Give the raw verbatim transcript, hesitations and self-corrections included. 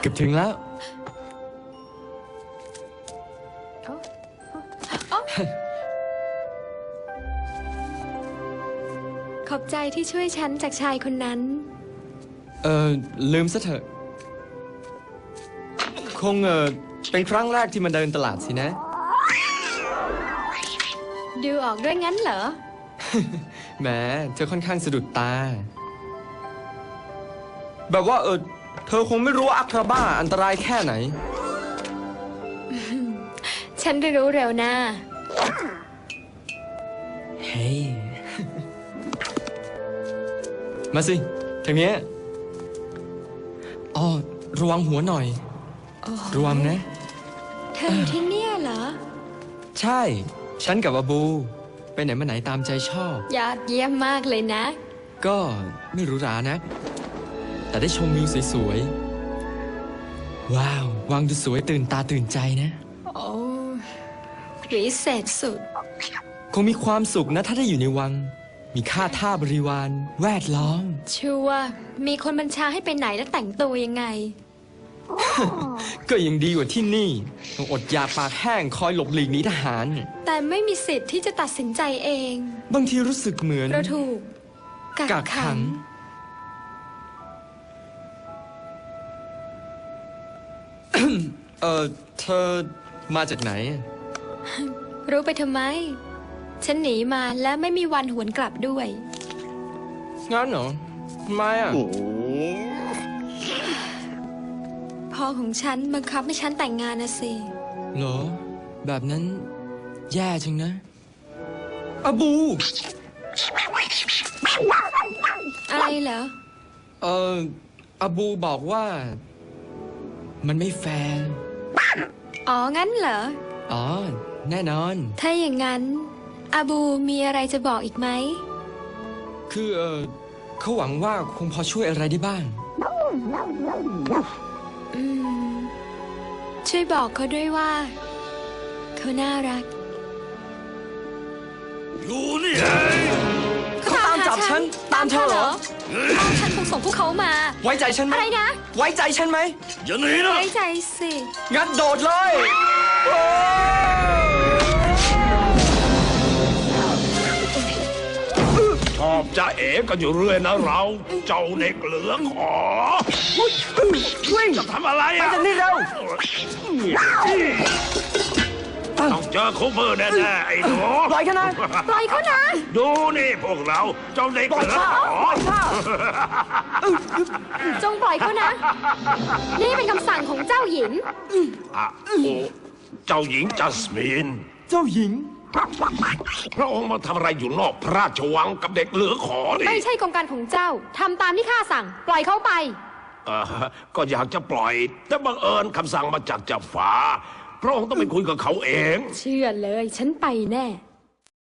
เกือบถึงแล้วขอบใจที่ช่วยฉันจากชายคนนั้นเออลืมซะเถอะคงเออเป็นครั้งแรกที่มาเดินตลาดสินะดูออกด้วยงั้นเหรอแหมเธอค่อนข้างสะดุดตาแบบว่าเออเธอคงไม่รู้ว่าอัคราบ้าอันตรายแค่ไหนฉันรู้เร็วนะเฮ้ย มาสิทางนี้อ๋อระวังหัวหน่อยระวังนะเธออยู่ที่เนี่ยเหรอใช่ฉันกับอาบูไปไหนมาไหนตามใจชอบยอดเยี่ยมมากเลยนะก็ไม่หรูหรานะแต่ได้ชมวิวสวยๆว้าววังดูสวยตื่นตาตื่นใจนะโอ้วิเศษสุดคงมีความสุขนะถ้าได้อยู่ในวังมีข้าท่าบริวารแวดล้อมชัวร์มีคนบัญชาให้ไปไหนและแต่งตัวยังไงก็ยังดีกว่าที่นี่ต้องอดอยากปากแห้งคอยหลบหลีกหนีทหารแต่ไม่มีสิทธิ์ที่จะตัดสินใจเองบางทีรู้สึกเหมือนเราถูกกักขังเออเธอมาจากไหนรู้ไปทำไมฉันหนีมาและไม่มีวันหวนกลับด้วยงั้นเหรอทำไมอ่ะพ่อของฉันบังคับให้ฉันแต่งงานนะสิเหรอแบบนั้นแย่จังนะอาบูอะไรเหรอเอออาบูบอกว่ามันไม่แฟร์อ๋องั้นเหรออ๋อแน่นอนถ้าอย่างนั้นอาบูมีอะไรจะบอกอีกไหมคือเออเขาหวังว่าคงพอช่วยอะไรได้บ้างอืมช่วยบอกเขาด้วยว่าเขาน่ารักอยู่นี่ไงเขาตามจับฉันตามเธอเหรอพ่อฉันคงส่งพวกเขามาไว้ใจฉันไหมอะไรนะไว้ใจฉันไหมอย่าหนีนะไว้ใจสิงั้นโดดเลยชอบจะเอ๋กันอยู่เรื่อยนะเราเจ้าเด็กเหลืองหอจะทำอะไรอ่ะไปจากนี่เร็วต้องเจอคูเปอร์แน่ๆไอ้หนูปล่อยเขานะปล่อยเขานะดูนี่พวกเราเจ้าเด็กเหลืองหอจงปล่อยเขานะนี่เป็นคำสั่งของเจ้าหญิงอ่ะโอ้เจ้าหญิงจัสมินเจ้าหญิงพระองค์มาทำอะไรอยู่นอกพระราชวังกับเด็กเหลือขอนี่ไม่ใช่กองการของเจ้าทำตามที่ข้าสั่งปล่อยเขาไปเออก็อยากจะปล่อยแต่บังเอิญคำสั่งมาจากเจ้าฟ้าพระองค์ต้องไปคุยกับเขาเองเชื่อเลยฉันไปแน่